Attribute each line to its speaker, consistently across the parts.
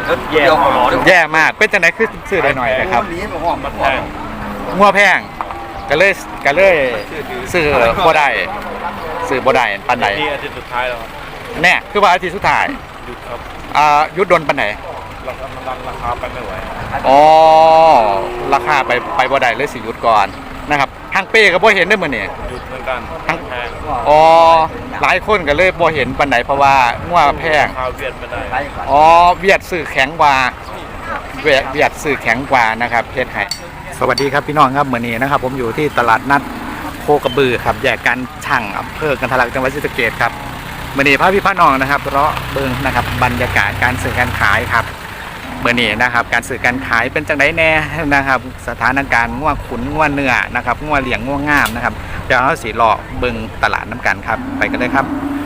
Speaker 1: แย่มากเป็นจังไดคือซื้อได้หน่อยนะครับงัวแพงก็เลยซื้อบ่ได้ปานใด
Speaker 2: อาทิตย์สุดท้ายแล้ว
Speaker 1: แน่คือว่าอาทิตย์สุดท้าย
Speaker 2: หยุดครับ
Speaker 1: หยุดดนปานใด
Speaker 2: ราคาไปไม่ไหว
Speaker 1: อ๋อราคาไปบ่ได้เลยสิหยุดก่อนนะครับทางเป้ก็บ่เห็นได้มื้อนี้
Speaker 2: หยุดเหมือนกัน
Speaker 1: ทั้งอ๋อหลายคนก็เลยบ่เห็นปานใดเพราะว่างัวแพง
Speaker 2: เวียดไม่ได้
Speaker 1: อ๋อเวียดซื้อแข็งกว่าเวียดซื้อแข็งกว่านะครับเฮ็ดให้สวัสดีครับพี่น้องครับมื้อนี้นะครับผมอยู่ที่ตลาดนัดโคกระบือครับแยกกันช่างอำเภอกันทะลักจังหวัดศรีสะเกษครับมื้อนี้พาพี่น้องนะครับเลาะเบิ่งนะครับบรรยากาศการซื้อการขายครับมื้อนี้นะครับการซื้อการขายเป็นจังไดแน่นะครับสถานการณ์งัวขุนงัวเนื้อนะครับงัวเหลี่ยงงัวงามนะครับเดี๋ยวเราสิเลาะเบิ่งตลาดน้ำกันครับไปกันเลยครับ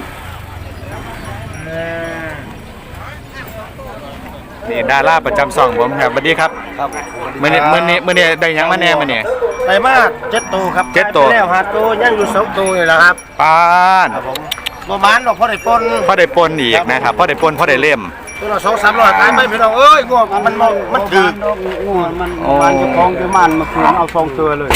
Speaker 1: นี่ดาราประจำช่องผมครับสวัสดีครับ
Speaker 3: ครับ
Speaker 1: มื้อนี้ได้ยังมาแน่มื้อนี้
Speaker 3: ไปมาก7 ตัวครับ
Speaker 1: 7 ตัว
Speaker 3: แล้ว5 ตัวยังอยู่2 ตัวนี่แหละครับ
Speaker 1: ปาน
Speaker 3: ครับผมบ่มานหรอกพอได้ปน
Speaker 1: อีกนะครับพอได้ปนพอได้เล่ม
Speaker 3: ตัวละ2-300ขายไปพี่น้องเอ้ยงัวมันถึก
Speaker 4: งัวมันบ้านเจ้าของอยู่มันมาคืนเอา2 ตัวเลย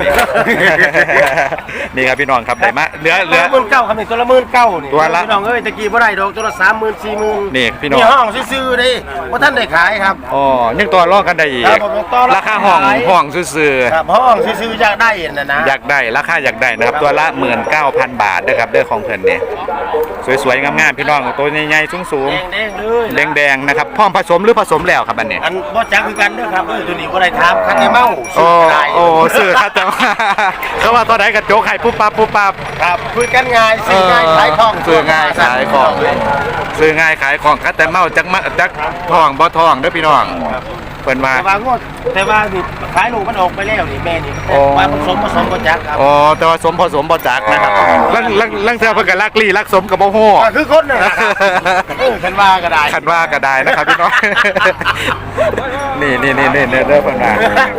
Speaker 1: นี่ครับพี่น้องครับได้มาเหลือ
Speaker 3: 19,000ครับนี่ตัวละ19,000นี่
Speaker 1: ตัวละ
Speaker 3: พี่น้องเอ้ยตะกี้บ่ได้ดอกตัวละ30,000 40,000
Speaker 1: นี่พี่น้อง
Speaker 3: นี่ห้องซื่อๆดิบ่ทันได้ขายครับ
Speaker 1: อ๋อยังตัวรอกันได้อีกราคาห้องซื่อ
Speaker 3: ๆครับห้องซื่อๆอยากได้นะ
Speaker 1: อยากได้ราคาอยากได้นะครับตัวละ 19,000 บาทนะครับเด้อของเพิ่นนี่สวยๆงามๆพี่น้องตัวใหญ่ๆสูงๆแดงๆนะครับพร้อมผสมหรือผสมแล้วครับอันนี้
Speaker 3: อันบ่จักคือกันเด้อครับตัวนี้บ่ได้ถามคันได้เมา
Speaker 1: โอ้ซื้อคัดจังเขาว่าตัวไหนกระโจกไข่ปุ๊บปั๊บ
Speaker 3: ครับคุยกันง่ายซื้อง่ายขายของ
Speaker 1: ซื้อง่ายขายของคัดแต่เมาจักทองบ่ทองเด้อพี่น้องเพิ่นว่า
Speaker 3: แต่ว่านี่ขายลูกมันออกไปแล้วนี่แม่นี่ว่าผสมบ่จักครับ
Speaker 1: อ๋อแต่ว่าผสมบ่จักนะครับลังเทื่อเพิ่นก็ลักสมกับบ่ฮู้
Speaker 3: คือคนน่ะคันว่าก็
Speaker 1: ได้นะครับพี่น้องนี่เด้อเพิ่นว่า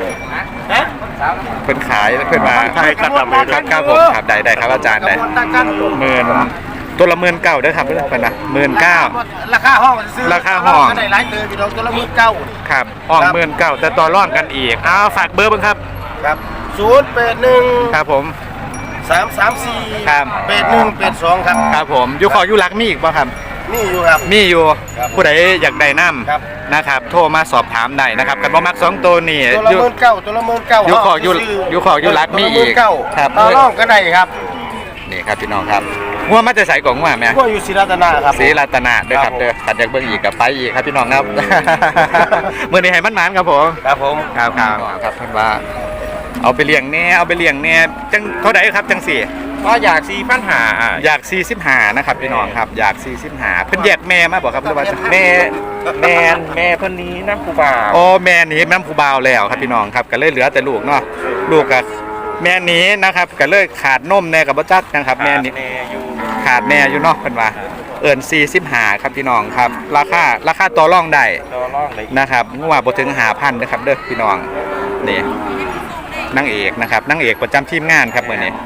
Speaker 1: เพิ่นขายเพิ่นมาครับผมครับได้ครับอาจารย์ได้ตัวละ19,000เด้อครับเพิ่นนะ19,000
Speaker 3: ราคาห้องซื้อ
Speaker 1: ราคาห้อง
Speaker 3: ได้หลายเติมพี่น้องตัวละ19,000
Speaker 1: ครับห้อง19,000แต่ต่อรองกันอีกฝากเบอร์เบิ่งครับ
Speaker 3: ครับ081
Speaker 1: ครับผม
Speaker 3: 334
Speaker 1: ครับ
Speaker 3: 8182ครับ
Speaker 1: ครับผมอยู่ขออยู่รักมีอีกบ่ครับ
Speaker 3: มีอยู่ครับ
Speaker 1: มีอยู่ผู้ใดอยากได้น้ำนะครับโทรมาสอบถามได้นะครับกันบ่มัก2ตัวนี่
Speaker 3: ตัวละ19,000ตัวละ19,000
Speaker 1: อยู่ขออยู่รักมีอีก
Speaker 3: ครับต่อรองกันได้ครับ
Speaker 1: นี่ครับพี่น้องครับงัวมาจะใส่กล่องงัวไหม
Speaker 3: งัวอยู่ศรีรัตนาครับ
Speaker 1: ศรีรัตนาเด้อครับเด้อขัดจากเบิ้งอีกกับไปอีกครับพี่น้องครับมื้อนี้ให้มันๆครับผม
Speaker 3: ครับผม
Speaker 1: ครับเพิ่นว่าเอาไปเลี้ยงแน่จังเท่าใดครับจังสี่
Speaker 2: ก็อยาก45
Speaker 1: อยาก45นะครับพี่น้องครับอยาก45เพิ่นแยกแม่มาบ่ครับหรือว่า
Speaker 2: แม่เพิ่นนี้น้ำผู้บ่าว
Speaker 1: อ๋อแม่นี้น้ำผู้บ่าวแล้วครับพี่น้องครับก็เลยเหลือแต่ลูกเนาะลูกกับแม่นี้นะครับก็เลยขาดนมแน่กับบ่จักนะครับแม่นี้ขาดแม่อยู่เนาะเพิ่นว่าเอิ้น45ครับพี่น้องครับราคาต่อรองได้นะครับงัวบ่ถึง 5,000 นะครับเด้อพี่น้องนี่นางเอกนะครับนางเอกประจำทีมงานครับมื้อนี้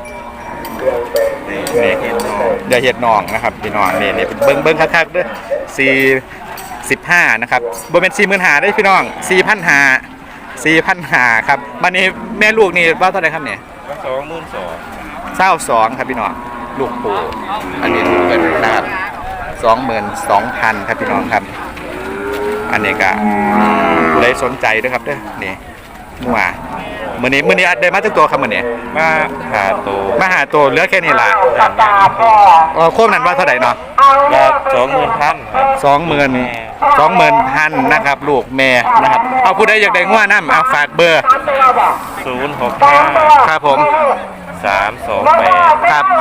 Speaker 1: นี่อย่าเฮ็ดน้องนะครับพี่น้องนี่เบิ่งคักๆเด้อ45นะครับบ่แม่น45,000เด้อพี่น้อง4,500ครับบัดนี้แม่ลูกนี่ว่าเท่าไหร่ครับเนี่ย22,000ครับพี่น้องลูกปู่อันนี้ลูกเพิ่นนะครับ22,000ครับพี่น้องครับอันนี้ก็เลยสนใจด้วยครับเด้อนี่มั่วมื้อนี้ได้มาจักตัวครับมื้อนี้
Speaker 2: มาหา
Speaker 1: ตัวเหลือแค่นี้ล่ะโคมนั้นว่าเท่าไหร่เนาะ20,000นะครับลูกแม่นะครับเอาผู้ใดอยากได้งัวน้ำเอาฝากเบอร์
Speaker 2: 065
Speaker 1: ครับผม
Speaker 2: 328
Speaker 1: ครับ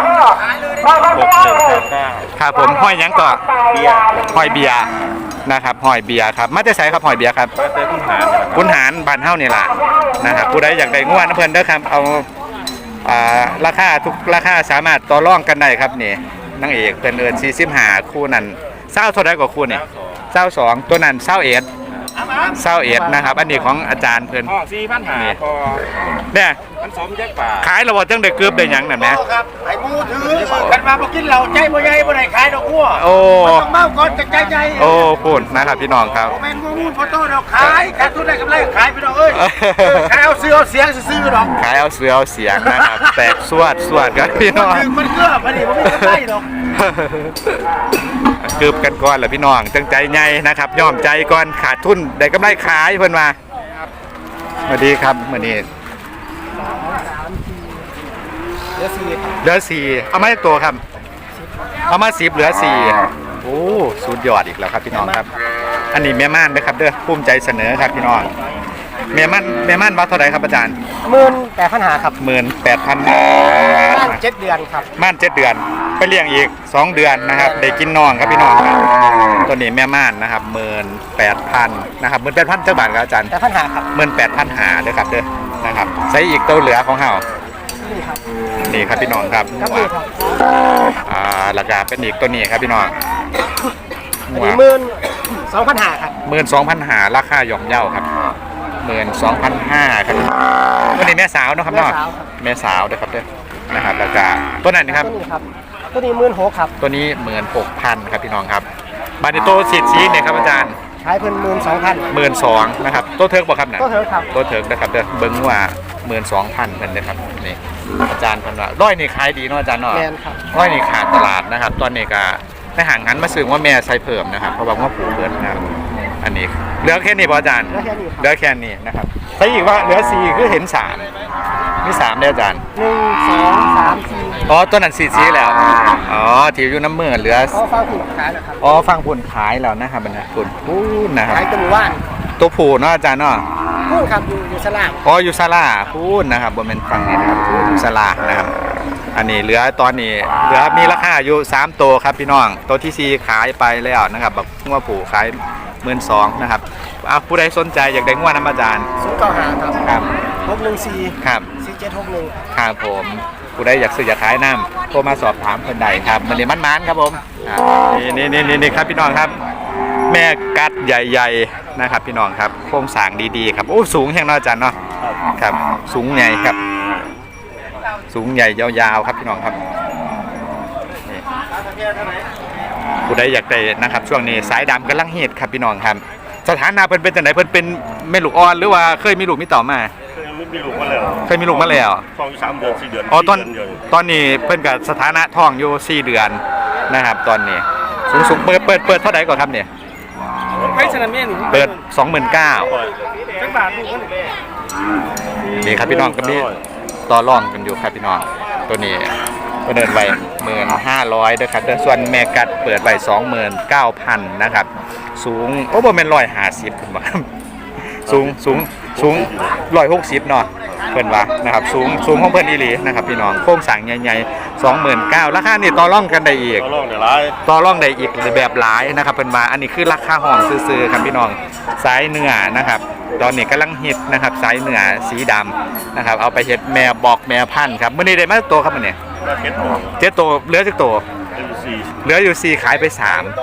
Speaker 2: 6159
Speaker 1: ครับผมห้อยหยังก่อห้อยเบียร์นะครับห้อยเบียร์ครับมาแต่ไสครับห้อยเบียร์ครับคุณหารบ้านเฮานี่ล่ะนะครับผู้ใดอยากได้งัวน้ำเพิ่นเด้อครับเอาราคาทุกราคาสามารถต่อรองกันได้ครับนี่นางเอกเพิ่น45คู่นั้น20เท่าใดกว่าคู่นี่22ตัวนั้น21 เศร้าเอ็ดนะครับ อันนี้ของอาจารย์เพิ่น
Speaker 2: ห้องสี่พันหาพอ
Speaker 1: เนี่ย
Speaker 2: มันสมแยกป่า
Speaker 1: ขายระบบจังได้เกือบได้หยังนั่นแหม
Speaker 3: ครับไอ้มูถือกันมาบ่กินเหล้าใจบ่ใหญ่บ่ได้ขายดอกหัว
Speaker 1: โอ้
Speaker 3: ต้องเมาก่อนจะใจใหญ่
Speaker 1: โอ้พูดนะครับพี่น้องครับ
Speaker 3: แม่นบ่มูลพอโตดอกขายขาดทุนได้กำไรขายไปดอกเอ้ยขายเอาเสื้อเอาเสียงซื้อดอก
Speaker 1: ขายเอาเสือเอาเสียงนะครับ แตกสวดกันพี่น้อง
Speaker 3: ถึงมันเกือบพอดีบ่มีกำไรดอก
Speaker 1: เกือบกันก่อนเหรอพี่น้องจังใจใหญ่นะครับยอมใจก่อนขาดทุนได้กำไรขายเพิ่นมาสวัสดีครับมื้อนี้เหลือสี่เอามาจากตัวครับเอามา10เหลือ4โอ้สุดยอดอีกแล้วครับพี่น้องครับ อันนี้แม่ม่านนะครับเด้อภูมิใจเสนอครับพี่น้องแม่ม่านว่าเท่าไหร่ครับอาจารย์
Speaker 3: 18,500ครับ
Speaker 1: 18,000
Speaker 3: บ้าน7 เดือนครับ
Speaker 1: ม่าน7 เดือนไปเลี้ยงอีก2 เดือนนะครับได้กินน้องครับพี่น้องครับตัวนี้แม่ม่านนะครับ18,000นะครับ18,000เจ้าบาทครับอาจารย์
Speaker 3: 18,500ครับ
Speaker 1: 18,000หาเด้อครับเด้อนะครับใส่อีกตัวเหลือของเฮา
Speaker 3: นี่ครับ
Speaker 1: นี่ครับพี่น้องครับ
Speaker 3: ครับนี่ครับ
Speaker 1: ราคาเป็นอีกตัวนี้ครับพี่น้อง
Speaker 3: อันนี้12,500ครับ
Speaker 1: 12,000หาราคาย่อมเยาครับ12,500ครับตัวนี้แม่สาวเนาะครับเนาะแม่สาวเด้อครับเด้อนะครับราคาตัวนั้นนะครับ
Speaker 3: ตัวนี้ครับตัวนี้16,000ครับ
Speaker 1: ตัวนี้16,000ครับพี่น้องครับบานิโตสีดสีเนี่ยครับอาจารย์
Speaker 3: ขายเพิ่น12,000
Speaker 1: 12,000นะครับตัวเทิร์กบอกครับนะ
Speaker 3: ตัวเถอะครับ
Speaker 1: ตัวเทิร์กนะครับเด้อเบิ้งว่า12,000เพิ่นเด้อครับนี่อาจารย์เพิ่นว่าร้อยนี่ขายดีเนาะอาจารย์เนาะ
Speaker 3: แม่นครับ
Speaker 1: ร้อยนี่ขาดตลาดนะครับตอนนี้ก็ไปหางหันมาซื้อว่าแม่ใส่เพิ่มนะครับเพราะว่าว่าผูเบิดนะครับอันนี้เหลือแค่นี้ป่ะอาจารย์
Speaker 3: แล้วแค่นี้ครับ
Speaker 1: เหลือแค่นี้นะครับใส่อีกว่าเหลือ4คือเห็น3มี3ได้อาจารย์
Speaker 3: 1 2 3 4
Speaker 1: อ๋อตัวนั้นสีแล้วอ๋อที่อยู่น้ำมือเหลือ
Speaker 3: เขาฟังถูกขายแล้วครับ
Speaker 1: อ๋อฟังผลขายแล้วนะครับบรรดาผลพูดนะครับ
Speaker 3: ขายตัวหมู่บ้าน
Speaker 1: ตัวผูเนาะอาจารย์เนาะ
Speaker 3: พูดครับอยู่สลาม
Speaker 1: อ๋ออยู่ซาลาพูดนะครับบนเป็นฟังนี่นะครับอยู่ซาลานะครับ อันนี้เหลือตอนนี้เหลือมีราคาอยู่3ตัวครับพี่น้องตัวที่4ขายไปแล้วนะครับแบบงัวผูขาย12,000นะครับผู้ใดสนใจอยากได้งัวน้ำอาจารย์
Speaker 3: 095ครับ
Speaker 1: ครับ
Speaker 3: 614
Speaker 1: ครับ
Speaker 3: 4761
Speaker 1: ครับผมผู้ใดอยากซื้ออยากขายน้ำโทรมาสอบถามคนใดครับมันนี่มันๆครับผมนี่ครับพี่น้องครับ แม่กัดใหญ่ๆนะครับพี่น้องครับโครงสร้างดีๆครับโอ้สูงแห่งน้อยอาจารย์เนาะครับสูงใหญ่ครับ สูงใหญ่ยาวๆครับพี่น้องครับนี่ผู้ใดอยากได้นะครับช่วงนี้สายดำกำลังฮิตครับพี่น้องครับสถานะเพิ่นเป็นจังไดเพิ่นเป็นแม่ลูกอ่อนหรือว่าเคยมีลูกมีเต่ามา
Speaker 2: มีลูกมาแล้ว
Speaker 1: เคยมีลูกมาแล้ว
Speaker 2: 2-3 เดือน 4 เดือน
Speaker 1: อ๋อตอน
Speaker 2: 4 เดือน
Speaker 1: ตอนนี้เพิ่นกับสถานะท้องอยู่4 เดือนนะครับตอนนี้สูงเปิดเท่าไหร่ก่อนครับเนี่ย
Speaker 3: ให้สนามเมียน
Speaker 1: เปิด 29,000
Speaker 3: จังบาทลูกมัน
Speaker 1: นี่ครับพี่น้องก็มีต่อรองกันอยู่ครับพี่น้องตัวนี้ก็เดินไป15,000ด้วยครับส่วนแม่กัดเปิดไป29,000นะครับสูงโอ้บ่แม่น150ขึ้นมาสูง160เนาะเพิ่นว่านะครับสูงของเพิ่นอีหลีนะครับพี่น้องโครงสร้างใหญ่ๆ 29,000ราคานี่ต่อรองกันได้อีก
Speaker 2: ต่อรองได้หลาย
Speaker 1: ต่อรองได้อีกแบบหลายนะครับเป็นมาอันนี้คือราคาห้องซื้อๆครับพี่น้องสายเนื้อนะครับตอนนี้กำลังฮิตนะครับสายเนื้อสีดำนะครับเอาไปเฮ็ดแม่บอกแม่พันธุ์ครับมื้อนี้ได้มาตัวครับมื้อนี้
Speaker 2: ก็เก็ตหมด
Speaker 1: 7ตัวเหลือจักตัว
Speaker 2: เป็น4
Speaker 1: เหลืออยู่4ขายไป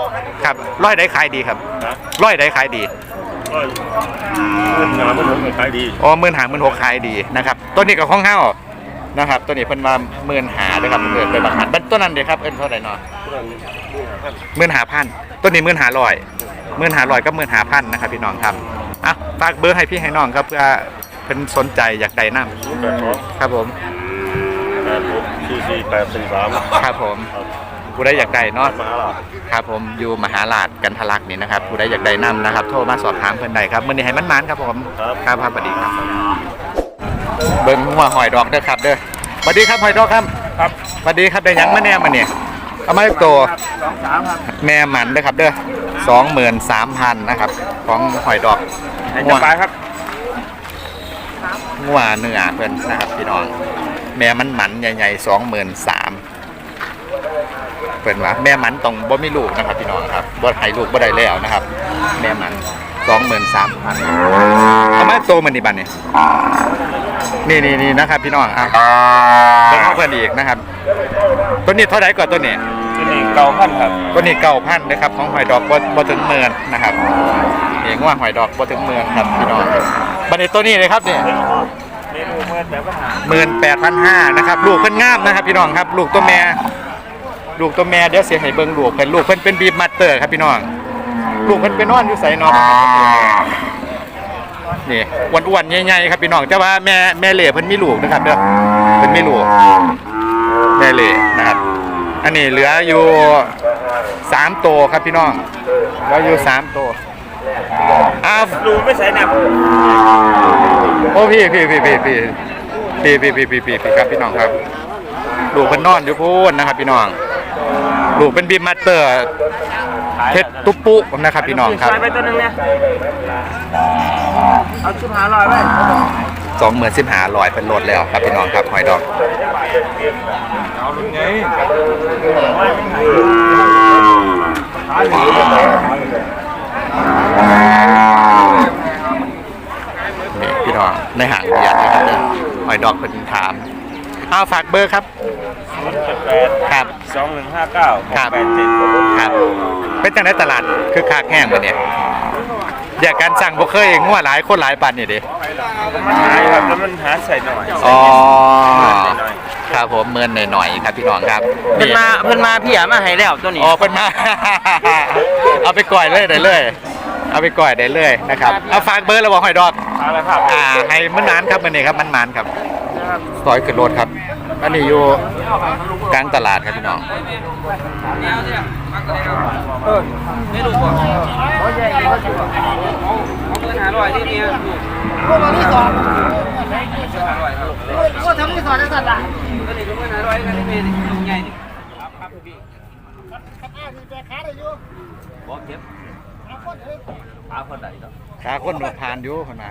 Speaker 1: 3ครับร้อยได้ขายดีครับ
Speaker 2: นะ
Speaker 1: ร้อยได้ขายดี
Speaker 2: ก็งานมันก็ขายดี
Speaker 1: อ๋อ15,000 ขายดีนะครับตัวนี้ก็ของเฮานะครับตัวนี้เพิ่นว่า15,000ด้วยครับเพิ่นไปบักหันตัวนั้นเด้ครับเอิ้นเท่าไหร่เนาะ 15,000ต้นนี้15,000กับ15,000นะครับพี่น้องครับอ่ะฝากเบอร์ให้พี่ให้น้องครับเพื่อเพิ่นสนใจอยากได้น้ำครับผม
Speaker 2: 84843
Speaker 1: ครับผมผู้ใดอยากได้เนาะ
Speaker 2: มหาลาภ
Speaker 1: ครับผมอยู่มหาลาดกันทะลักนี่นะครับผู้ใดอยากได้น้ำนะครับโทรมาสอบถามเพิ่นได้ครับมื้อนี้ให้มันๆครับผมครับสวัสดีครับเบิ่งหัวหอยดอกเด้อครับเด้อสวัสดีครับหอยดอกครับ
Speaker 2: ครับ
Speaker 1: สวัสดีครับได้หยังมาแน่มาเนี่ยเอามาอีกตัว
Speaker 3: 23ครับ
Speaker 1: แม่หมันเด้อครับเด้อ23,000นะครับของหอยดอก
Speaker 2: จะไปครับ
Speaker 1: งัวเนื้อเพิ่นนะครับพี่น้องแม่มันหมันใหญ่ๆ23,000เพิ่นว่าแม่หมันต้องบ่มีลูกนะครับพี่น้องครับบ่ให้ลูกบ่ได้แล้วนะครับ แม่หมัน23,000เอามาโตมันนี่บัดนี่นี่นะครับพี่น้องอ่ะเบิ่งเอาเพิ่นอีกนะครับตัวนี้เท่าไหร่ก่อนตัวนี้
Speaker 2: ที่นี่9,000ครับ
Speaker 1: ตัวนี้9,000นะครับของหอยดอกบ่ถึง10,000นะครับนี่นี่ง่วงหอยดอกบ่ถึงเมืองครับพี่น้องบัดนี้ตัวนี้เลยครับเนี่ย
Speaker 2: เมนูเมื่อแต่ปัญหา
Speaker 1: 18,500นะครับลูกเพิ่นงามนะครับพี่น้องครับลูกตัวแม่เดี๋ยวเสียให้เบิ่งลูกเพิ่นเป็นบีบมัตเตอร์ครับพี่น้องลูกเพิ่นไปนอนอยู่ไสเนาะนี่อ้วนๆใหญ่ๆครับพี่น้องแต่ว่าแม่เหล่เพิ่นมีลูกนะครับเด้อเพิ่นมีลูกแม่เหล่นะครับอันนี้เหลืออยู่3ตัวครับพี่น้องเหลืออยู่3ตัว
Speaker 2: ลูไม่ใส่หนัก
Speaker 1: โอ้พี่ครับพี่น้องครับลูกเพิ่นนอนอยู่พูนนะครับพี่น้องลูกเป็นบีมมัตเตอร์เพชรตุ๊ปุนะครับพี่น้องครับ
Speaker 2: ไปตัวนึงเนี่ยเอาชุดหาลอยไว้
Speaker 1: 25,500เป็นโหลดแล้วครับพี่น้องครับหอยดอก
Speaker 2: เอาลุงไง
Speaker 1: นี่พี่น้องในห่างใหญ่นะครับหอยดอกเป็นถามเอาฝากเบอร์ครับครับ
Speaker 2: 2159
Speaker 1: ครับครับเป็นจังได๋ตลาดคือคากแห้งบ่เนี่ยอยากการสั่งบ่เคยงัวหลายคนหลายปันนี่ดิ
Speaker 2: มันหายครับแล้วมันหาใส่หน่อย
Speaker 1: อ๋อครับผมเมินหน่อยๆครับพี่น้องครับ
Speaker 3: เพิ่นมาพี่อ่ะมาให้แล้วตัวนี้
Speaker 1: อ๋อเพิ่นมา เอาไปก่อยเลยได้เลยเอาไปก่อยได้เลยนะครับเอาฝากเบอร์แล้วบอกหอยดอก
Speaker 2: อะไรครับ
Speaker 1: ให้มันนานครับมื้อนี้ครับมันครับซอยขึ้นรถครับอันนี้อยู่กลางตลาดครับพี่น้อง
Speaker 3: ไม่รู้บ่เอาใหญ่เอาเงิน500ที่นี่พวกเราที่2พวกทำที่2ได้สั่นล่ะก็นี่ก็เงิน500กันนี่เป็นใหญ่นี่ครับพี่บ่เก็บขาคนใดเนาะ
Speaker 1: ขาคนหนวดผ่านอยู่คนมา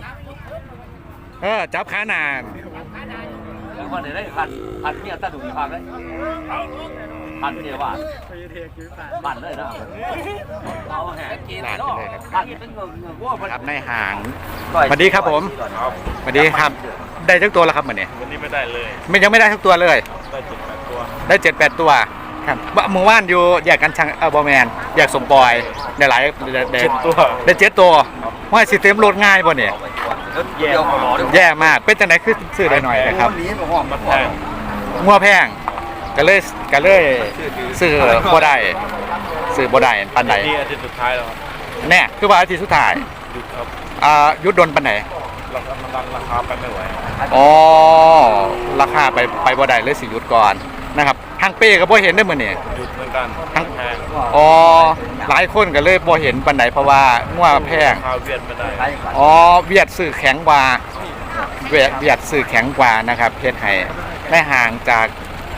Speaker 1: จับขานาน
Speaker 3: แล้วคนได้พันเมียตาดุพันเลยพันเมียว่าพันเลยนะเอาแหงกินเนาะพันเป็นเงินวัว
Speaker 1: ครับในห่างสวัสดีครับผมสวัสดีครับได้ทุกตัวแล้วครับวันนี้
Speaker 2: วันนี้ไม่ได้เลย
Speaker 1: ยังไม่ได้ทุกตัวเลย
Speaker 2: ได้7-8ตัว
Speaker 1: ได้7-8ตัวครับเมื่อวานอยู่อยากกันช่างบอแมนอยากสมปอยได้หลายได้7 ตัวว่าสิเต็มรถง่ายบ่เนี่ยแย่มากเป็นจังได๋คือซื้อได้หน่อยนะครับ
Speaker 2: มันแพง
Speaker 1: งัวแพงก็เลยซื้อบ่ได้ปานใด
Speaker 2: นี่อาทิตย์สุดท้ายแล้วครับ
Speaker 1: แน่คือว่าอาทิตย์สุดท้าย
Speaker 2: หยุดครับ
Speaker 1: ยุดดนปานใด
Speaker 2: มันดันราคาไปไม่ไหว
Speaker 1: อ๋อราคาไปบ่ได้เลยสิหยุดก่อนนะครับทางเป้ก็บ่เห็นได้มื้อนี้
Speaker 2: หยุดเหมือนกันแพง
Speaker 1: อ๋อหลายคนก็เลยบ่เห็นปานใดเพราะว่างัวแพง
Speaker 2: ราคาเวียดไม่ได้
Speaker 1: อ๋อเวียดซื้อแข็งกว่าเวียดซื้อแข็งกว่านะครับเฮ็ดให้ได้ห่างจาก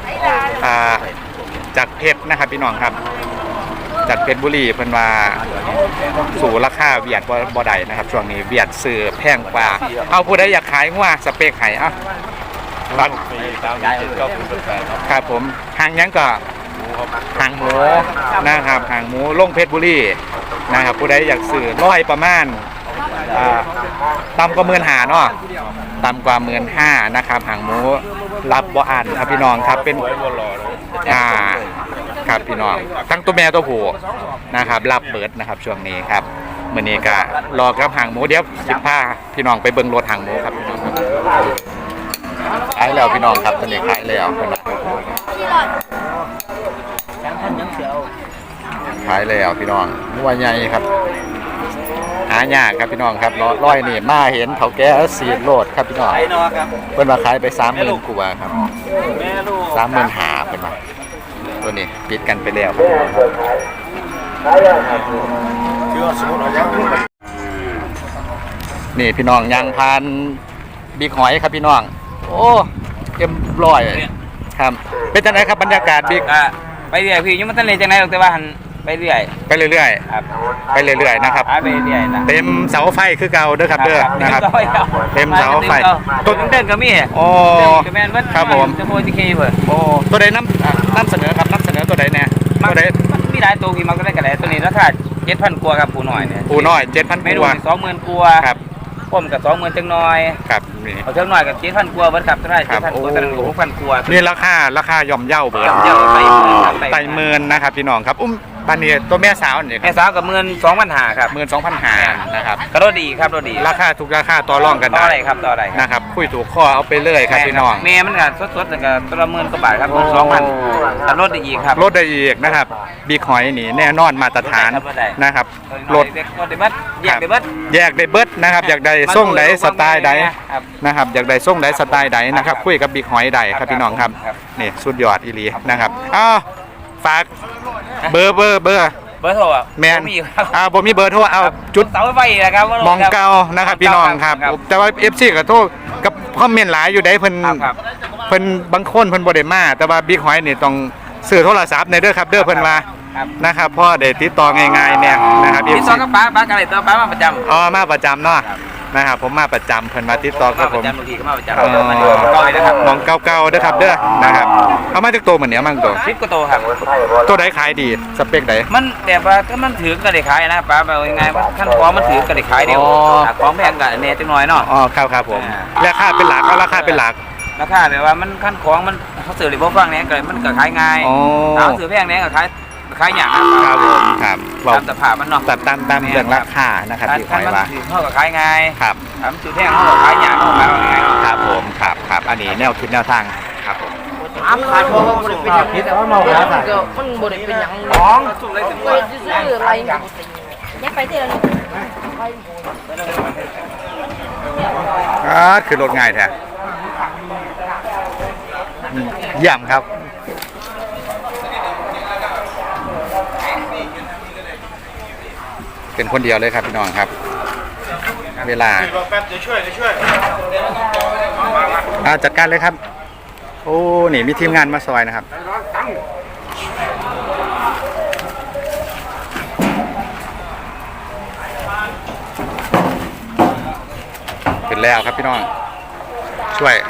Speaker 1: เพชรนะครับพี่น้องครับจากเพชรบุรีเพิ่นว่าสู่ราคาเวียดบ่ได้นะครับช่วงนี้เวียดซื้อแพงกว่าเอาผู้ใดอยากขายงัวสเปคให้
Speaker 2: รักฟรีตามที่7 9 0 8ครับ
Speaker 1: ครับผมห่างยังก็ห่างหมูนะครับห่างหมูลงเพชรบุรีนะครับผู้ใดอยากซื้อร้อยประมาณต่ำกว่า15,000เนาะต่ำกว่า15,000นะครับห่างหมูรับบ่อันครับพี่น้องครับเป็น
Speaker 2: ไว้บนรอเลย
Speaker 1: ครับพี่น้องทั้งตัวแม่ตัวผู้นะครับรับเปิดนะครับช่วงนี้ครับมื้อนี้ก็รอกับห่างหมูเดี๋ยวสิพาพี่น้องไปเบิ่งรถห่างหมูครับพี่น้องครับขายแล้วพี่น้องครับตอนนี้ขายแล้วขายแล้วพี่น้องนัวใหญ่ครับหายากครับพี่น้องครับร้อยนี่มาเห็นเฒ่าแก่สีโลดครับพี่น้องเพิ่นว่าขายไป 30,000 กว่าครับ 35,000เพิ่นว่าตัวนี้ปิดกันไปแล้วนี่พี่น้องยางพานบิ๊กหอยครับพี่น้องโอ้เอ็มร้อยครับเป็นจังไดครับบรรยากาศบิ๊ก
Speaker 3: ไปเรื่อยพี่ยังไม่ทันเลยจังได๋หรอกแต่ว่าหันไปเรื่อย
Speaker 1: ไปเรื่อย
Speaker 3: ครับ
Speaker 1: ๆไปเรื่อยๆนะครับ
Speaker 3: ไปเรื่อยนะ
Speaker 1: เต็มเสาไฟคือเก่าเด้อครับเด้อนะครับเต็มเสาไฟ
Speaker 3: ต้นเดินก็มี
Speaker 1: โอ้
Speaker 3: ก็แม่นว่า
Speaker 1: ครับผม
Speaker 3: จะโพสเคเพิ่น
Speaker 1: โอ้ตัวใดน้ำเสนอครับน้ำเสนอตัวใดแน่ตัวใด
Speaker 3: มันมีหลายตัวพี่มันก็ได้กันได้ตัวนี้ราคา 7,000 กว่าครับปูน้อยเนี่ย
Speaker 1: ปูน้อย 7,000
Speaker 3: เมนู
Speaker 1: กว่า
Speaker 3: 20,000 กว่า
Speaker 1: ครับ
Speaker 3: ผมกับ20,000จังน้อย
Speaker 1: ครับนี่
Speaker 3: เอาจังน้อยกับ 7,000 กว่าเบิดครับเท่าไหร่
Speaker 1: ครับ
Speaker 3: 7,000 กว่าตัวนั้นก็6,000 กว่า
Speaker 1: นี่ราคาย่อมเย่าเบิด
Speaker 3: เจ้าไป
Speaker 1: ไต่เมินนะครับพี่น้องครับบ้านนี้ตัวแม่สาวนี่
Speaker 3: แม่สาวกับ12,500ครับ
Speaker 1: 12,500นะครับ
Speaker 3: ก็รถดีครับรถดี
Speaker 1: ราคาทุกราคาต่อรองกัน
Speaker 3: ต่อ
Speaker 1: ได้
Speaker 3: อะไรครับต่ออะไร
Speaker 1: นะครับคุยถูกข้อเอาไปเลยครับพี่น้อง
Speaker 3: แม่มันก็สดๆก็ตัวละ10,000กว่าบาทครับ
Speaker 1: โอ้
Speaker 3: 12,000แต่รถดีอีกครับ
Speaker 1: ลดได้อีกนะครับบิ๊กหอยนี่แน่นอนมาตรฐาน
Speaker 3: ลดได้
Speaker 1: นะครับลด
Speaker 3: รถได้เบิดแยกได้เบิด
Speaker 1: แยกได้เบิดนะครับอยากได้ส่งใดสไตล์ใด
Speaker 3: ครับ
Speaker 1: นะครับอยากได้ส่งใดสไตล์ใดนะครับคุยกับบิ๊กหอยใดครับพี่น้องครับ
Speaker 3: ครับ
Speaker 1: นี่สุดยอดอีหลีนะครับอ้าวฝากเบอร์
Speaker 3: เบอร์โทรอ่ะ
Speaker 1: แมน
Speaker 3: มีครับ
Speaker 1: บ่มีเบอร์โทรเอาจุด
Speaker 3: เสาไฟนะครับ
Speaker 1: มองเก่านะครับพี่น้องครับ แต่ว่า FC ก็โทรกับคอมเมนต์หลายอยู่ได้เพิ่น
Speaker 3: ครับ
Speaker 1: เพิ่นบางคนเพิ่นบ่ได้มาแต่ว่าบิ๊กหอยนี่ต้องซื้อโทรศัพท์ในเด้อครับเด้อเพิ่นว่า
Speaker 3: ครับ
Speaker 1: นะครับเพราะได้ติดต่อง่ายๆเนี่ยนะครับ
Speaker 3: ติด
Speaker 1: FC
Speaker 3: ต่อกับป้ากันเลยตัวป้ามาประจำ
Speaker 1: อ๋อมาประจำเนาะนะครับผมมาประจำเพิ่นมาติดต่อกับผม
Speaker 3: มาประจำบางทีก็มาประจำ
Speaker 1: อ๋อ
Speaker 3: มาดูก้อยนะครับ
Speaker 1: มองเก่าๆเด้อครับเด้อนะครับเอามาจากตัวเหมือนเนี้ยมั่งตัว
Speaker 3: คลิปก็โตครับ
Speaker 1: ตัวใดขายดีสเปคใด
Speaker 3: มันแต่ว่าถ้ามันถือก็ได้ขายนะป้าแบบยังไงว่าขั้นของมันถือก็ได้ขายเดียว
Speaker 1: อ๋อ
Speaker 3: ของแพงกับเนจังหน่อยเนาะ
Speaker 1: อ๋อครับผม
Speaker 3: อ่า
Speaker 1: ราคาเป็นหลักเอาราคาเป็นหลัก
Speaker 3: ราคาแบบว่ามันขั้นของมันเขาสื่อหรือพวกฟังเนี้ยก็มันก็ขายง่าย
Speaker 1: อ๋อ
Speaker 3: ถ้าเอาสื่อแพงเนี้ยก็ขายอย่าง
Speaker 1: ครับผมครับ
Speaker 3: ตามสภาพมันเนาะ
Speaker 1: ตัดตามเรื่องราคานะครับพี่หอย
Speaker 3: มัน
Speaker 1: ว่า
Speaker 3: ถือเขาก็ขายง่าย
Speaker 1: ครับ
Speaker 3: ถ้ามันสื่อแพงเขาก็ขายอย่างเขาขายง่าย
Speaker 1: ครับผมครับอันนี้แนวคิดแนวทางครับผม
Speaker 5: ถามขาดบ่บ่ได้เป็นหยังผิดแต่ว่าเมาแล้วมันบ่ได้เป็นหยังของไปซื้ออะไรยักไปที่ละนี่
Speaker 1: คือรถง่ายแท้เยี่ยมครับเป็นคนเดียวเลยครับพี่น้องครับ เวลาจัดการเลยครับโอ้นี่มีทีมงานมาซอยนะครับเป็นแล้วครับพี่น้องช่วย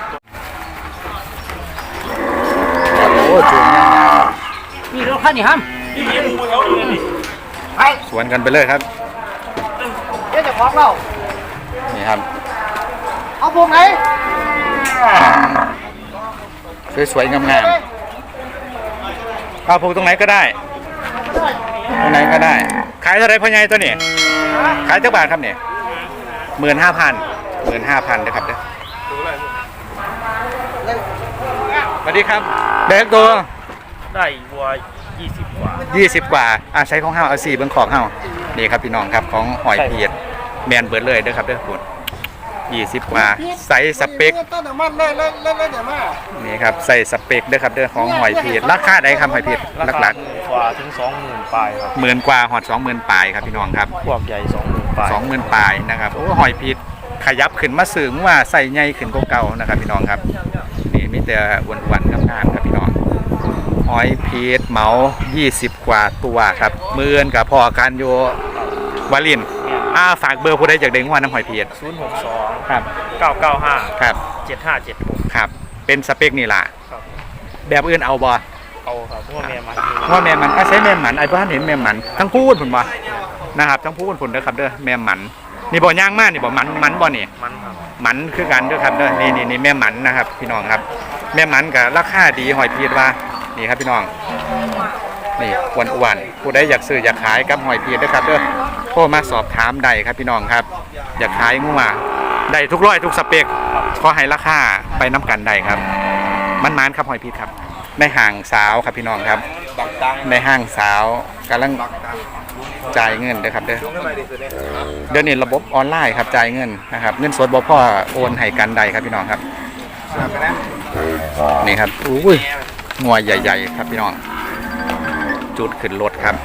Speaker 1: โอ้จูง
Speaker 5: มีรถคันนี้ฮัม
Speaker 1: สวนกันไปเลยครับ
Speaker 5: เดี๋ยวจะของเรา
Speaker 1: นี่ครับ
Speaker 5: เอาพวกไหน
Speaker 1: สวยๆงามๆเอาผูกตรงไหนก็ได้ตรงไหนก็ได้ ขายเท่าไรพ่อใหญ่ตัวนี้ขายเท่าบาทครับเนี่ย15,000นะครับเด้อสวัสดีครับเด็กตัว
Speaker 2: ได้วัว20 กว่า
Speaker 1: 20 กว่าใช้ของเฮาเอา4เบิ่งของเฮานี่ครับพี่น้องครับของหอยเพียดแมนเบิดเลยเด้อครับเด้อคุณ20 กว่าใส่สเปคนี่ครับใส่สเปคเด้อครับเด้อของหอยเพียดราคาใดครับหอยเพียดหลัก
Speaker 2: กว่าถึง 20,000 ปลายครับ
Speaker 1: ๆ10,000 กว่าหอด 20,000 ปลายครับพี่น้องครับ
Speaker 2: พวกใหญ่ 20,000 ปลาย
Speaker 1: 20,000 ปลายนะครับโอ้หอยเพียดขยับขึ้นมาสูงว่าใส่ใหญ่ขึ้นกว่าเก่านะครับพี่น้องครับนี่มีแต่อ้วนๆงามๆครับพี่น้องหอยเพียดเหมา20 กว่าตัวครับมื้อนกับพอการโยวาลินฝากเบอร์ผู้ใดอยากได้งวดน้ำหอยเพียด
Speaker 2: 062
Speaker 1: ครับ
Speaker 2: 995
Speaker 1: ครับ
Speaker 2: 7576
Speaker 1: ครับเป็นสเปคนี่ล่ะ
Speaker 2: ครับ
Speaker 1: แบบอื่นเอาบ่
Speaker 2: เอาครับพวกแม่มัน
Speaker 1: ว่าแม่มันใช้แม่มันไอ้บ้านเห็นแม่มันทั้งพูดผลบ่นะครับทั้งพูดผลเด้อครับเด้อแม่มันนี่บ่ย่างมากนี่บ่มันบ่นี่
Speaker 2: มันครับ
Speaker 1: มันคือกันเด้อครับเด้อนี่แม่มันนะครับพี่น้องครับ แม่มันกับราคาดีหอยพีดว่านี่ครับพี่น้องนี่อ้วนๆผู้ใดอยากซื้ออยากขายกับหอยพีดเด้อครับเด้อโทรมาสอบถามได้ครับพี่น้องครับ อยากขายงัวได้ทุกร้อยทุกสเปคขอให้ราคาไปน้ำกันได้ครับมันครับหอยพีดครับในห้างสาวครับพี่น้องครับในห้างสาวกำลังจ่ายเงินเด้อครับเด้อเดี๋ยวนี้ระบบออนไลน์ครับจ่ายเงินนะครับเงินสดบ่พอโอนให้กันได้ครับพี่น้องครับนี่ครับอุ้ยงัวใหญ่ๆครับพี่น้องจุดขึ้นรถครับ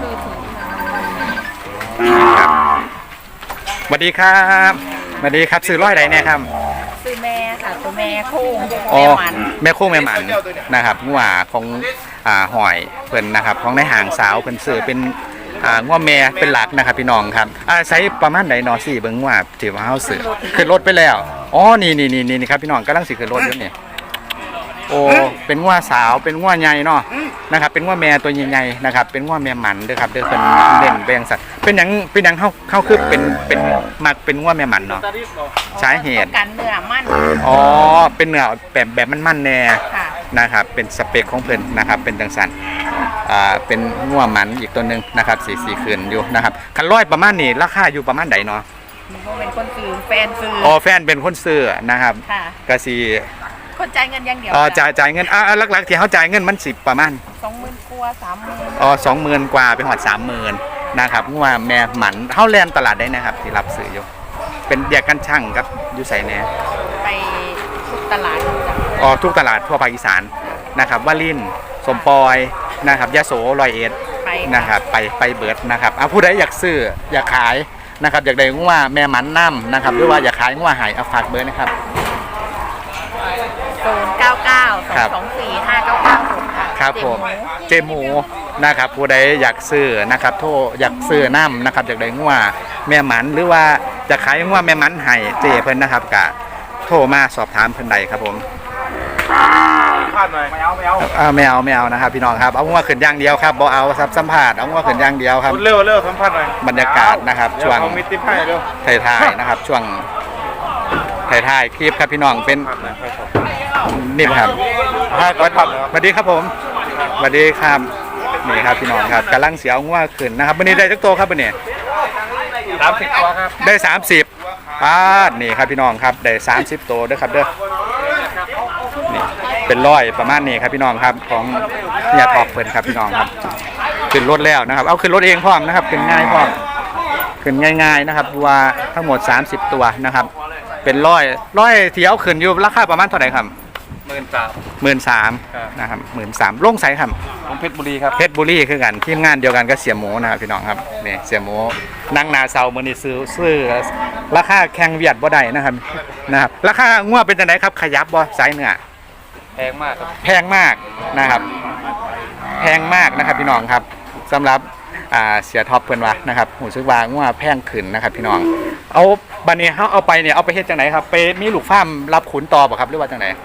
Speaker 1: นี่ครับสวัสดีครับสวัสดีครับซื้อร้อยใดเนี่ยครับ
Speaker 6: ซื้อแม่ค่ะตัวแม่โค้ง
Speaker 1: อ๋อ
Speaker 6: แม่มัน
Speaker 1: แม่โค้งแม่หมันนะครับงัวของหอยเพิ่นนะครับของในห่างสาวเพิ่นซื้อเป็นงัวแม่เป็นหลักนะครับพี่น้องครับใช้ประมาณใดนอสี่เบิ่งว่าที่ว่าเฮาซื้อขึ้นรถไปแล้วอ๋อนี่ครับพี่น้องกำลังสิขึ้นรถอยู่นี่โอ้เป็นงัวสาวเป็นงัวใหญ่เนาะนะครับเป็นงัวแม่ตัวใหญ่ๆนะครับเป็นงัวแม่หมันเด้อครับเด้อเป็นเด่นแบงสัตว์เป็นหยังเข้าคือเป็นมักเป็นงัวแม่หมันเนาะสาเหตุ
Speaker 6: กันเนื้อมัน
Speaker 1: อ๋อเป็นเนื้อแบบมันแน่
Speaker 6: ค่ะ
Speaker 1: นะครับเป็นสเปคของเพิ่นนะครับเป็นจังสันเป็นงัวหมันอีกตัวหนึงนะครับสีคืนอยู่นะครับคันร้อยประมาณนี้ราคาอยู่ประมาณใดเนาะ
Speaker 6: เป็นคนซื้อแฟนซื้อ
Speaker 1: อ๋อแฟนเป็นคนซื้อนะครับ
Speaker 6: ค่ะ
Speaker 1: ก็สิ
Speaker 6: คนจ่ายเงินอย่างเดียว
Speaker 1: จ่ายเงินหลักๆที่เขาจ่ายเงินมัน10ประมาณ
Speaker 6: 20,000 กว่า 30,000
Speaker 1: อ๋อ20,000กว่าไปหอด30,000นะครับงัวแม่หมันเฮาแล่นตลาดได้นะครับที่รับซื้ออยู่เป็นแยกกันช่างครับอยู่ไสแน่
Speaker 6: ไปทุกตลาดจ้ะ
Speaker 1: อ๋อทุกตลาดทั่วภาคอีสานนะครับวารินสมปอยนะครับยโสร้อยเอ็ด
Speaker 6: ไป
Speaker 1: นะครับไปเบิดนะครับผู้ใดอยากซื้ออยากขายนะครับอยากได้งัวแม่หมันน้ำนะครับหรือว่าอยากขายงัวหายเอาฝากเบอร์นะครับ
Speaker 6: 099 224 5996 ค่ะ
Speaker 1: ครับผมเจหมูนะครับผู้ใดอยากซื้อนะครับโทรอยากซื้อน้ำนะครับอยากได้งัวแม่หมันหรือว่าอยากขายงัวแม่หมันให้เจเพิ่นนะครับกะโทรมาสอบถามเพิ่นใดครับผม
Speaker 2: พลาดหน่อยไม่เอา
Speaker 1: ไม่เอานะครับพี่น้องครับเอางัวขึ้นอย่างเดียวครับบ่เอาซับสัมผัสเอางัวขึ้นอย่างเดียวครับ
Speaker 2: เร็วสัมภาษณ์หน่อย
Speaker 1: บรรยากาศนะครับช่วง
Speaker 2: เอามิติให้เร็ว
Speaker 1: ถ่ายๆนะครับช่วงถ่ายคลิปครับพี่น้องเป็นนี่ครับสวัสดีครับผมสวัสดีครับนี่ครับพี่น้องครับกำลังเสียวงัวขึ้นนะครับวันนี้ได้จักโตครับวันนี้
Speaker 2: 30 ตัวครับ
Speaker 1: ได้30ป้าดนี่ครับพี่น้องครับได้30โตด้วยครับเด้อนี่เป็นร้อยประมาณนี้ครับพี่น้องครับของเนี่ยทอกเพิ่นครับพี่น้องครับขึ้นรถแล้วนะครับเอาขึ้นรถเองพร้อมนะครับขึ้นง่ายพร้อมขึ้นง่ายๆนะครับว่าทั้งหมด30ตัวนะครับเป็นร้อยที่เอาขึ้นอยู่ราคาประมาณเท่าไหร่ครับ13,000นะครับ13,000ลงไสครับ
Speaker 2: ผมเพชรบุรีครับ
Speaker 1: เพชรบุรีคือกันทีมงานเดียวกันก็เสียหมูนะครับพี่น้องครับนี่เสียหมูนั่งนาเซามื้อนี้ซื้อราคาแข่งเวียดบ่ได้นะครับราคางัวเป็นจังไดครับขยับบ่สายเนื้อ
Speaker 2: แพงมากครับ
Speaker 1: แพงมากนะครับแพงมากนะครับพี่น้องครับสำหรับเสียท็อปเพิ่นว่านะครับหูซึกว่างัวแพงขึ้นนะครับพี่น้องเอาบัดนี้เฮาเอาไปเนี่ยเอาไปเฮ็ดจังไดครับไปมีลูกฟาร์มรับขุนต่อบ่ครับหรือว่าจังได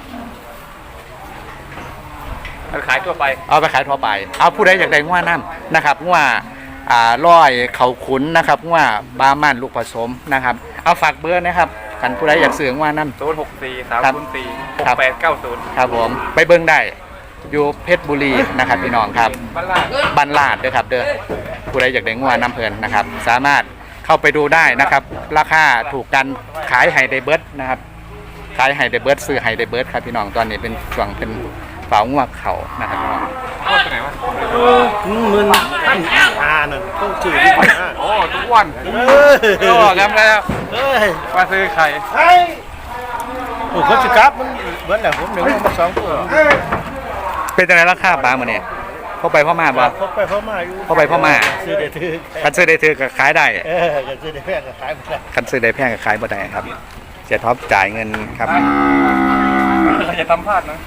Speaker 2: ขายทั่วไป
Speaker 1: เอาไปขายทั่วไปเอาผู้ใดอยากได้งัวน้ำนะครับงัวร้อยเขาขุนนะครับงัวบามันลูกผสมนะครับเอาฝากเบอร์นะครับกันผู้ใดอยากซื้องัวน้ำ
Speaker 2: 064 304 6890
Speaker 1: ครับผมไปเบิ่งได้อยู่เพชรบุรีนะครับพี่น้องครับบ้านลาดเด้อครับเด้อผู้ใดอยากได้งัวน้ำเพลินนะครับสามารถเข้าไปดูได้นะครับราคาถูกกันขายไฮเดเบิร์ดนะครับขายไฮเดเบิร์ดซื้อไฮเดเบิร์ดครับพี่น้องตอนนี้เป็นช่วงเป็นเฝ้างัวเขานะครับพี่น้อง
Speaker 2: 10,000ท่านนั่นต้องจืดที่ไหนโอ้ทุกวันก็งั้นแล้วมาซื้อไข่
Speaker 4: โอ้คนสิครับมันเบิ้ลแหละผมหนึ่งมา2ตัว
Speaker 1: เป็นจังไดราคาปลามื้อนี้เข้าไปพ่อมาบ่
Speaker 4: พบไปพ่อมาอยู่
Speaker 1: เข้าไปพ่อมา
Speaker 4: ซื้อได้ถือ
Speaker 1: คันซื้อได้ถือก็ขายได้
Speaker 4: ก็ซื้อได้แพงก็ขายไม่ได้
Speaker 1: คันซื้อได้แพงก็ขายบ่ได้ครับเสียท็อปจ่ายเงินครับ
Speaker 2: อย่าทำพลาดนะ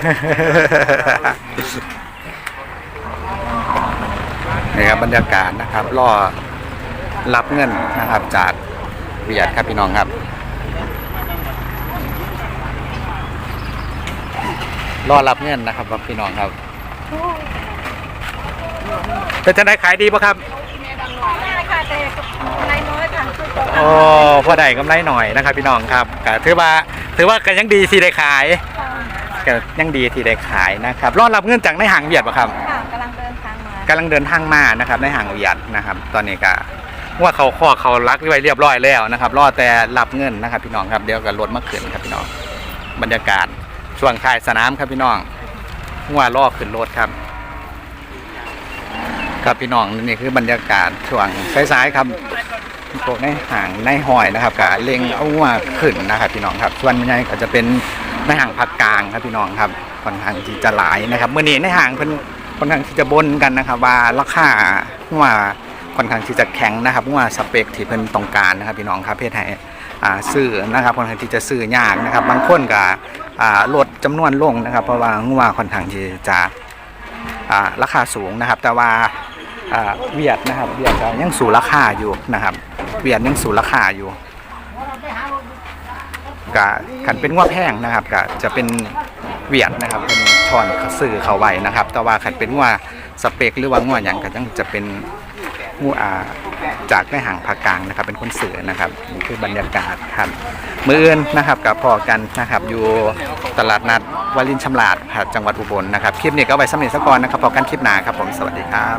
Speaker 1: นี่ครับบรรยากาศนะครับรอรับเงินนะครับจากเวียดครับพี่น้องครับรอรับเงินนะครับพี่น้องครับเป็นจะได้ขายดีป่ะครับโอ้พอได้กำไรหน่อยนะครับพี่น้องครับก็ถือว่าก็ยังดีที่ได้ขายก็ยังดีที่ได้ขายนะครับรอรับเงินจากในห้างเวียดป่ะครับ
Speaker 6: ค่ะกำลังเดินทางมา
Speaker 1: นะครับในห้างเวียดนะครับตอนนี้ก็ว่าเขาข้อเขารักไว้เรียบร้อยแล้วนะครับรอแต่รับเงินนะครับพี่น้องครับเดี๋ยวก็รถมาขึ้นครับพี่น้องบรรยากาศช่วงค่ายสนามครับพี่น้องว่าล่อขึ้นรถครับครับพี่น้องนี่คือบรรยากาศช่วงสายๆครับพวกในห่างในหอยนะครับกับเล็งเอาว่าขึ้นนะครับพี่น้องครับส่วนใหญ่ก็จะเป็นในห่างภาคกลางครับพี่น้องครับค่อนข้างที่จะหลายนะครับเมื่อนี้ในห่างเพิ่นค่อนข้างที่จะบนกันนะครับว่าราคาว่าค่อนข้างที่จะแข็งนะครับว่าสเปคที่เพิ่นต้องการนะครับพี่น้องครับเพศให้ซื้อนะครับค่อนข้างที่จะซื้อยากนะครับบางคนก็ลดจำนวนลงนะครับเพราะว่างัวค่อนข้างที่จะราคาสูงนะครับแต่ว่าเวียดนะครับเวียดยังสู่ราคาอยู่นะครับเวียดยังสู่ราคาอยู่กะกันเป็นงัวแพงนะครับกะจะเป็นเวียดนะครับเป็นช้อนสื่อเขาไว้นะครับแต่ว่าขันเป็นงัวสเปกหรือว่างัวอย่างก็ยังจะเป็นงัวจากในห่างภาคกลางนะครับเป็นคนสื่อนะครับนี่คือบรรยากาศครับมื้ออื่นนะครับกับพอกันนะครับอยู่ตลาดนัดวารินชำราบครับจังหวัดอุบลนะครับคลิปนี้ก็ไว้สำเร็จซะก่อนนะครับพอกันคลิปหน้าครับผมสวัสดีครับ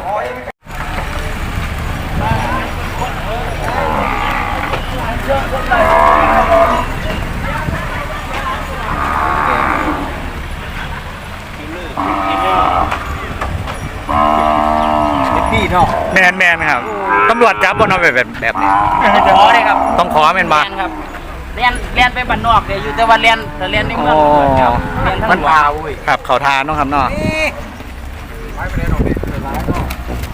Speaker 1: แมนครับตำรวจจับบนเอาแบบนี้
Speaker 5: ขอเลยครับ
Speaker 1: ต้องขอแมนบ้า
Speaker 5: เรียนครับเรียนไปบ้านนอกเดี๋ยวอยู่แต่ว่าเรียนในเมืองครับเรียนทั้งวัน
Speaker 1: ครับเขาทานเนาะครับเนาะ